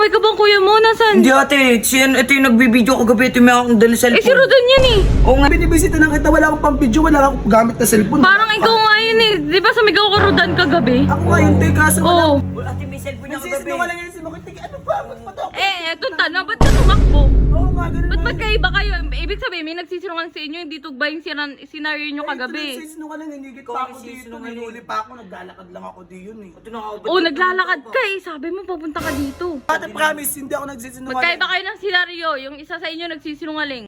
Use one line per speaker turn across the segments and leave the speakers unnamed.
Inaway ka bang kuya mo? Nasaan?
Hindi ate, ito yung nagbibideo kagabi, ito may akong dala cellphone.
Eh, si Rodan yan eh.
Oo nga.
Binibisita lang kita, wala akong pang video, wala akong gamit na cellphone.
Parang ikaw nga yun eh. Di ba sumigaw ka Rodan kagabi?
Ako nga yun, te, kaso wala.
Oo.
Ate, may cellphone niya kagabi.
Nagsisinungaling yan si Makitik. Ano ba? Ba't pa to?
Etong tanong, ba't ka tumakbo?
Oo nga, ganun
Ba't
na.
magkaiba kayo? Ibig sabihin, may nagsisinungaling sa inyo, hindi tugba yung scenario nyo kagabi.
Nagsisinungaling, hinigit
Ikaw
pa
ang
ako dito.
nagsisinungaling.
Ninuli pa ako, naglalakad lang ako di yun eh.
Ito na ako.
Oo, naglalakad ka eh. Sabi mo, papunta ka dito.
Ate, promise, hindi ako nagsisinungaling.
Magkaiba kayo ng senaryo, yung isa sa inyo nagsisinungaling.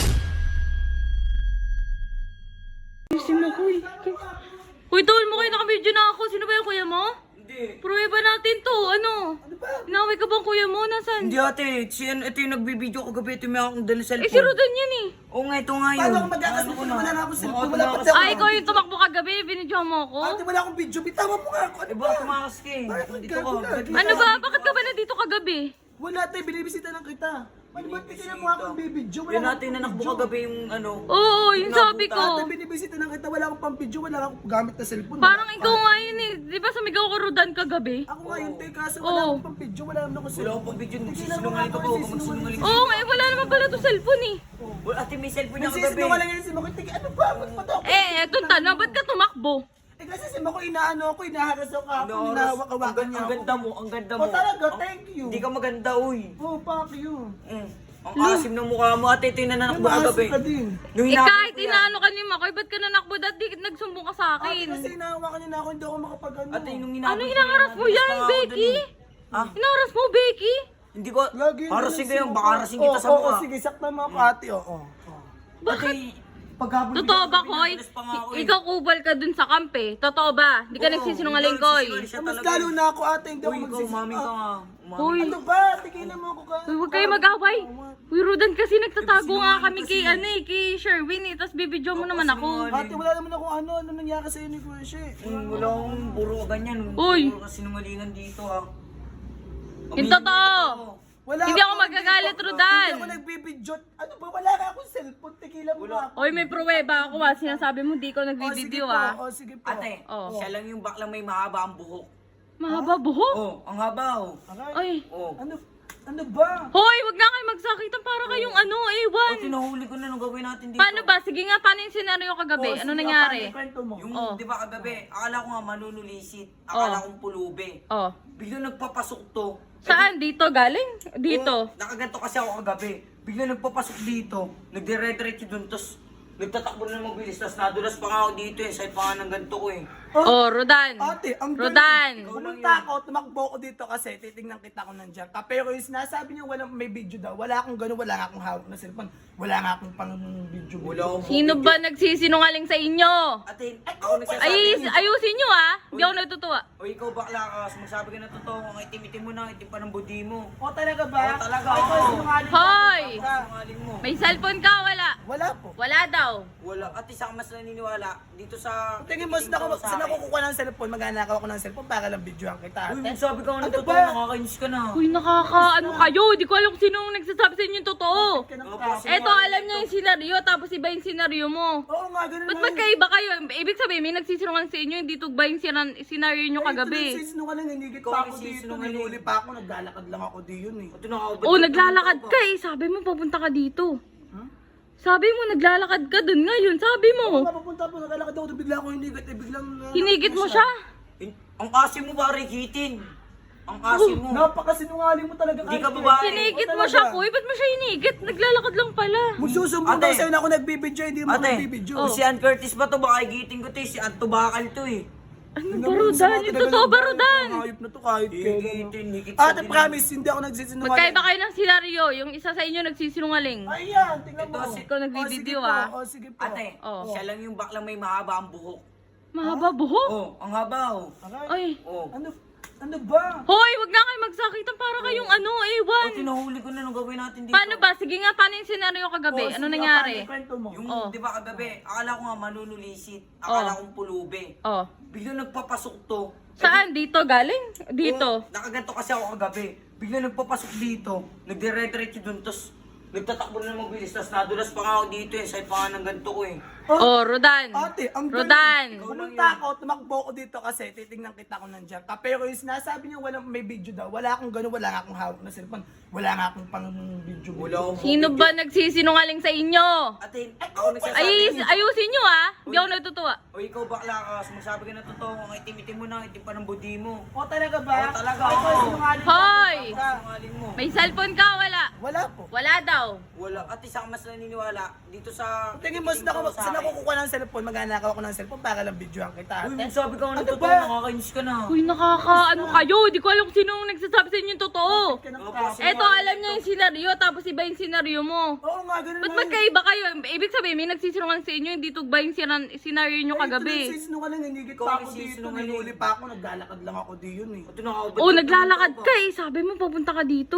Si mo, kuy. Kuy, tawal mo kayo, naka-video na ako. Sino ba yung kuya mo?
Hindi.
Pruweba natin to, ano?
Ano ba?
Inaway ka bang kuya mo? Nasaan?
Hindi ate, ito yung nagbibideo kagabi, ito may akong dala cellphone.
Eh, si Rodan yan eh.
Oo nga, ito nga yun.
Paano ako magkakasunod? Wala na akong cellphone, wala pa
Ano
tayo.
Ay, ikaw yung tumakbo kagabi, binidyohan mo ako.
Ate, wala akong video. Bitawan mo nga ako. Ano
Eh
ba?
baka tumakas ka eh.
Bakit
Dito ka.
nagkagabi?
Ano ba? Bakit ka ba nandito kagabi?
Wala tayo, binibisita lang kita. Ano ba? Tingnan mo akong bibidyo.
Yan natin na nakbo kagabi yung ano.
Oo, yung sabi
Ate,
ko.
binibisita lang kita. Wala akong pang video, wala akong gamit na cellphone.
Parang ikaw nga yun eh. Di ba sumigaw ka Rodan kagabi?
Ako nga yun, te, kaso
Oo.
wala akong pang video, wala naman ako
Wala
cellphone.
akong pag-video,
Tingnan mo
nagsisinungaling ka
ako,
po.
nagsisinungaling.
Magsinungaling.
Oo nga, eh, wala naman pala to cellphone eh.
Ate, may cellphone niya kagabi.
Nagsisinungaling yan si Makitik. Ano ba? Ba't pa to?
Etong tanong, ba't ka tumakbo?
Eh kasi si Mako inaano ako, inaharas ako ako,
Ang
hinahawak-hawakan niya
ang
ako.
ganda mo, ang ganda mo.
Oh, talaga, thank you.
Hindi ka maganda, uy.
Oh, fuck you.
Ang asim ng mukha mo, ate, ito yung nanakbo kagabi.
Maasim ka din.
Nung
Eh
hinapit
kahit
ko yan.
inaano ka ni Makoy, ba't ka nanakbo? Dati nagsumbong ka sa
Ate,
akin.
kasi inahawakan niya na ako, hindi ako makapag-ano.
Ate, nung hinapit
Ano
ko
hinaharas mo
nadulas
yan,
pa nga ako
Becky?
dun eh. Ah?
Hinaharas mo, Becky?
Hindi ko,
Lagi yun,
harasin ko
ganun
yun,
si
baka
Mako.
harasin kita sa
Oo,
mukha.
sige, sakta mo ako, ate, oo.
Ate, paghabol
Totoo ba, Koy?
nadulas pa nga ako eh.
Ikaw kubal ka dun sa kampe. Totoo ba? Hindi ka
Oo,
nagsisinungaling,
hindi,
Koy.
nagsisinungaling siya
Mas
talaga.
lalo na ako, ate, hindi ako
Uy, ikaw,
magsisinungaling.
umaming ka nga.
Uy.
Ano ba? Tigilan mo ako ka.
Uy, huwag kayo mag-away. Uy, Rodan, kasi nagtatago nga kami kay, ano eh, kay Sherwin eh. Tapos bibidyo mo naman ako.
Ate, wala naman ako ano nangyari sa'yo ni Kuya She.
Wala akong buro ka ganyan.
Uy.
Puro ka sinungalingan dito ah.
Yung totoo.
Wala
Hindi ako magagalit, Rodan.
Hindi ako nagbibidyo. Ano ba? Wala ka akong cellphone. Tigilan mo ako.
Oy, may pruweba ako ah. Sinasabi mo di ko nagbibideo ah.
O, sige po.
Ate,
Oh.
siya lang yung baklang may mahaba ang buhok.
Mahaba buhok.
Oh, ang haba oh.
Aray.
Ay.
Oh.
Ano ba?
Hoy, wag na kayo magsakitan para kayong ano, ewan.
Ate, nahuli ko na nung gawin natin dito.
Paano ba? Sige nga, paano yung senaryo kagabi? Ano nangyari?
Kwento mo.
Yung,
Oh.
di ba kagabi, akala ko nga manunulisit. Akala kong pulubi.
Oh.
Biglang nagpapasok to.
Saan? Dito galing? Dito.
Nakaganto kasi ako kagabi. Biglang nagpapasok dito. Nagdire-diretso dun. Tapos nagtatakbo na mabilis. Tapos nadulas pa nga ako dito eh. Side pa nga ng ganto ko eh.
Oh, Rodan.
Ate, ang
Rodan.
galing. Pumunta ako, tumakbo ko dito kasi titingnan kita ko nandiyan ka. Pero yung sinasabi niya walang may video daw. Wala akong gano'n, wala nga akong hawak na cellphone. Wala nga akong pang video.
Wala akong
Sino ba nagsisinungaling sa inyo?
Ate, ako nagsasabi.
Ayusin nyo ah. Hindi ako natutuwa.
O ikaw bakla ka. Magsabi ka na totoo. Ang itim-itim mo na. Itim pa ng budi mo.
O talaga ba?
Oo, talaga,
Ay,
oo.
sinungaling ka.
Hoy!
Sinungaling mo.
May cellphone ka? Wala.
Wala po.
Wala daw.
Wala. Ate, saka mas naniniwala. Dito sa...
Tingin mo,
titingin ko sa
saan
akin.
ako kukuha ng cellphone? Magnanakaw ako ng cellphone para lang videohan kita.
Uy,
ate.
magsabi ka nga ng
Ano
totoo.
ba?
Nakakainis ka na.
Uy, ano kayo? Di ko alam kung sino ang nagsasabi sa inyo yung totoo.
Ka ng
Opo,
tao.
Eto, alam niya yung senaryo, tapos iba yung senaryo mo.
Oo nga, ganun
Ba't
na yun.
magkaiba kayo? Ibig sabihin, may nagsisinungaling sa inyo, hindi tugba yung senaryo nyo
Ito
kagabi.
nagsisinungaling, hinigit
Ikaw
pa
ang
ako dito.
nagsisinungaling.
Ninuli pa ako, naglalakad lang ako di yun eh.
Ito nakakabot.
Oh, naglalakad ka eh. Sabi mo, papunta ka dito. Sabi mo, naglalakad ka dun ngayon. Sabi
Oo
mo.
nga, papunta po, naglalakad ako, bigla ako hinigit eh, biglang...
Hinigit mo siya.
Ang asim mo ba, Rikitin? Ang asim mo.
Napakasinungaling mo talaga.
Hindi ka
Ate.
babae.
Hinigit
Oo,
mo
talaga.
siya, kuy. Ba't mo siya hinigit? Naglalakad lang pala.
Magsusumbong
Ate.
daw sa'yo na ako nagbibidyo, hindi mo
Ate,
nagbibidyo.
kung si Ann Curtis ba to, baka igiting ko to eh. Si Ann Tubakal to eh.
Ano ba, Rodan? Yung totoo ba, Rodan?
Hayop na to kahit kailan.
Igitin, higit sa
Ate,
din.
promise, hindi ako nagsisinungaling.
Magkaiba kayo ng senaryo. Yung isa sa inyo nagsisinungaling.
Ayan, tingnan mo.
Ito,
ikaw nagbibideo,
O, sige po,
ah.
o, sige po.
Ate,
Oh.
siya lang yung baklang may mahaba ang buhok.
Mahaba buhok.
Oh, ang haba oh.
Ay.
Aray,
Oh.
ano ba?
Hoy, wag na kayo magsakitan para kayong ano, ewan.
Ate, nahuli ko na nung gawin natin dito.
Paano ba? Sige nga, paano yung senaryo kagabi?
O,
Ano
sige,
nangyari?
paano, kwento mo.
Yung,
Oh.
di ba kagabi, akala ko nga manunulisit. Akala kong pulubi.
Oh.
Biglang nagpapasok to.
Saan? Dito galing? Dito.
Nakaganto kasi ako kagabi. Biglang nagpapasok dito. Nagdire-diretso dun. Tapos Nagtatakbo na ng mabilis, tapos nadulas pa nga ako dito eh. Side pa nga ng ganito ko eh.
Oh, Rodan.
Ate, ang
Rodan.
Pumunta ako, tumakbo ako dito kasi titignan kita kung nandiyan ka. Pero yung sinasabi niya walang may video daw, wala akong gano'n, wala nga akong hawak na cellphone, wala nga akong pang video.
Wala akong
Sino ba nagsisinungaling sa inyo?
Ate, ako nagsasabi.
Ayusin nyo ah. Hindi ako natutuwa.
O ikaw bakla ka, sumasabi ka na totoo. Ang itim-itim mo na, itim pa ng budi mo.
O talaga ba?
Oo, talaga,
Ay,
oo.
sinungaling
Hoy!
ka.
Sinungaling mo.
May cellphone ka? Wala.
Wala po.
Wala daw.
Wala. Ate, saan mas naniniwala? Dito sa...
Tingin mo, saan ako kukuha ng cellphone, maghanakaw ako ng cellphone para lang videohan kita.
Uy,
Ate.
sabi ka nga ng
Ano
totoo,
ba?
nakakainis ka na.
Uy, ano kayo? Di ko alam kung sino ang nagsasabi sa inyo yung totoo. Eto, alam niya yung senaryo, tapos iba yung senaryo mo.
Oo nga, ganun
Ba't
nga.
magkaiba kayo? Ibig sabihin, may nagsisinungaling sa inyo, hindi tugba yung senaryo nyo kagabi.
Ito nagsisinungaling, hinigit
Ikaw
pa
ang
ako dito,
nagsisinungaling.
ninuli pa ako, naglalakad lang ako di yun eh.
Ito nakakabad.
Oh, naglalakad ka eh. Sabi mo, papunta ka dito.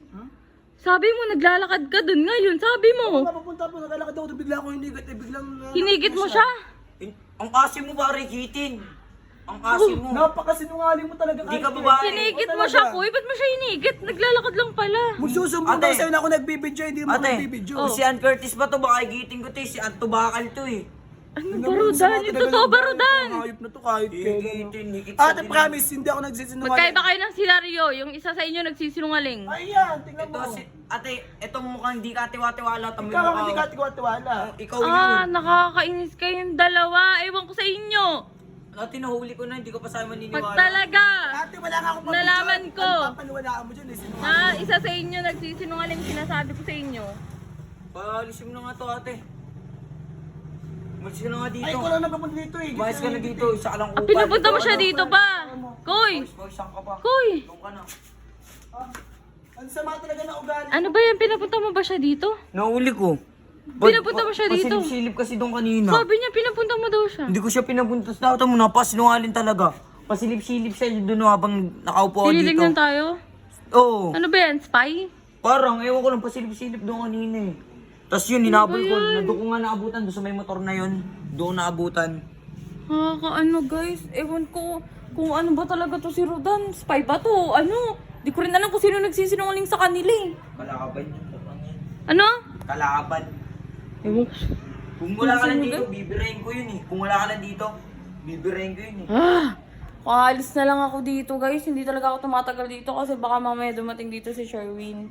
Sabi mo, naglalakad ka dun ngayon. Sabi mo.
Mapapunta po, naglalakad ako, bigla ako hinigit, biglang...
Hinigit mo siya.
Ang asim mo pare, hitin. Ang asim mo.
Napakasinungaling mo talaga.
Hindi ka
Ate.
babae.
Hinigit
O,
mo
talaga.
siya, kuy. Ba't mo siya hinigit? Naglalakad lang pala.
Magsusumbong
Ate.
daw sa'yo na ako nagbibidyo, hindi mo ako
Ate,
nagbibidyo.
si Ann Curtis ba to? Baka igiting ko to eh. Si Ann Tubakal to eh.
Ano
Tingnan
ba,
mo,
Rodan?
sama
Yung
talaga
totoo
ng
ba,
bahay
Rodan?
ko, hayop na to kahit kailan.
Higitin, higit sa
Ate,
dilim.
promise, hindi ako nagsisinungaling.
Magkaiba kayo ng senaryo. Yung isa sa inyo nagsisinungaling.
Ayan, tingnan
Ito
mo.
si... Ate, itong mukhang hindi ka tiwa-tiwala. Tamoy
Ikaw ang
mukha
hindi
ko.
ka tiwala.
Ikaw yun.
Nakakainis kayong dalawa. Ewan ko sa inyo.
Ate, nahuli ko na. Hindi ko pa sa'yo
Pag
maniniwala.
talaga,
Ate, wala nga akong
Nalaman ko.
Ano papaniwalaan mo dyan eh, sinungaling.
na isa sa inyo nagsisinungaling, sinasabi ko sa inyo.
Paalisin mo na nga to, ate. Umalis ka na nga dito.
Ay, ko lang napapunta dito eh.
Umayos ka na dito. Isa ka lang upad.
Pinapunta mo
Ito,
siya
ano?
dito pa. Koy!
Boys, saan ka pa?
Koy!
Doon ka na.
Ah, ang sama talaga na ugali.
Ano ba yan? Pinapunta mo ba siya dito?
Nahuli ko.
Pinapunta mo siya dito?
Pasilip-silip kasi doon kanina.
Sabi niya, pinapunta mo daw siya.
Hindi ko siya pinapunta sa tao mo. Napasinungaling talaga. Pasilip-silip siya doon habang nakaupo ako dito.
Tinilignan tayo?
Oo.
Ano ba yan? Spy?
Parang, ewan ko lang, pasilip-silip doon kanina eh. Tapos yun, hinabol ko. Doon ko nga naabutan. Doon sa may motor na yun. Doon naabutan.
Ano guys? Ewan ko kung ano ba talaga to si Rodan. Spy ba to? Ano? Di ko rin alam kung sino nagsisinungaling sa kanila eh.
Kalaban yun.
Ano?
Kalaban.
Ewan ko.
Kung wala ka lang dito, bibirahin ko yun eh. Kung wala ka lang dito, bibirahin ko yun eh.
Paalis na lang ako dito guys. Hindi talaga ako tumatagal dito kasi baka mamaya dumating dito si Sherwin.